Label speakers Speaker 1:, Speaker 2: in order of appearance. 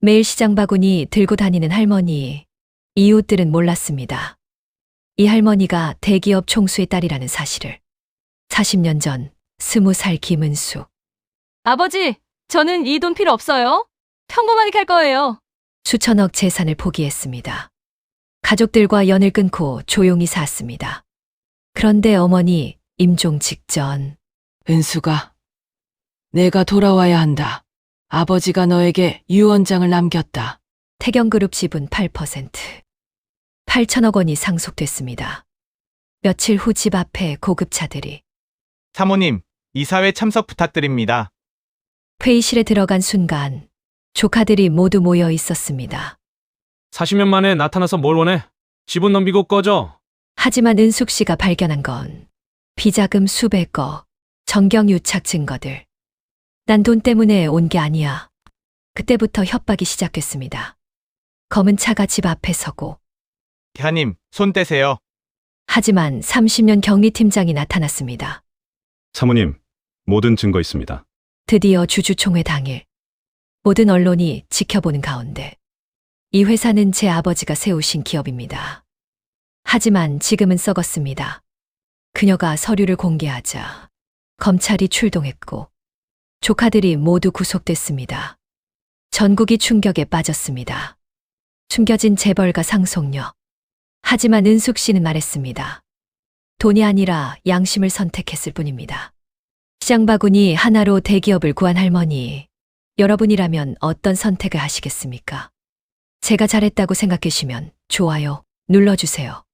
Speaker 1: 매일 시장 바구니 들고 다니는 할머니. 이웃들은 몰랐습니다. 이 할머니가 대기업 총수의 딸이라는 사실을. 40년 전 20살 김은수.
Speaker 2: 아버지, 저는 이 돈 필요 없어요. 평범하게 갈 거예요.
Speaker 1: 수천억 재산을 포기했습니다. 가족들과 연을 끊고 조용히 샀습니다. 그런데 어머니 임종 직전
Speaker 3: 은수가, 내가 돌아와야 한다. 아버지가 너에게 유언장을 남겼다.
Speaker 1: 태경그룹 지분 8%. 8천억 원이 상속됐습니다. 며칠 후 집 앞에 고급차들이.
Speaker 4: 사모님, 이사회 참석 부탁드립니다.
Speaker 1: 회의실에 들어간 순간 조카들이 모두 모여 있었습니다.
Speaker 5: 40년 만에 나타나서 뭘 원해? 지분 넘기고 꺼져.
Speaker 1: 하지만 은숙 씨가 발견한 건 비자금 수백억, 정경유착 증거들. 난 돈 때문에 온 게 아니야. 그때부터 협박이 시작됐습니다. 검은 차가 집 앞에 서고.
Speaker 4: 대하님, 손 떼세요.
Speaker 1: 하지만 30년 격리팀장이 나타났습니다.
Speaker 6: 사모님, 모든 증거 있습니다.
Speaker 1: 드디어 주주총회 당일. 모든 언론이 지켜보는 가운데. 이 회사는 제 아버지가 세우신 기업입니다. 하지만 지금은 썩었습니다. 그녀가 서류를 공개하자 검찰이 출동했고 조카들이 모두 구속됐습니다. 전국이 충격에 빠졌습니다. 숨겨진 재벌가 상속녀. 하지만 은숙 씨는 말했습니다. 돈이 아니라 양심을 선택했을 뿐입니다. 시장 바구니 하나로 대기업을 구한 할머니. 여러분이라면 어떤 선택을 하시겠습니까? 제가 잘했다고 생각하시면 좋아요 눌러주세요.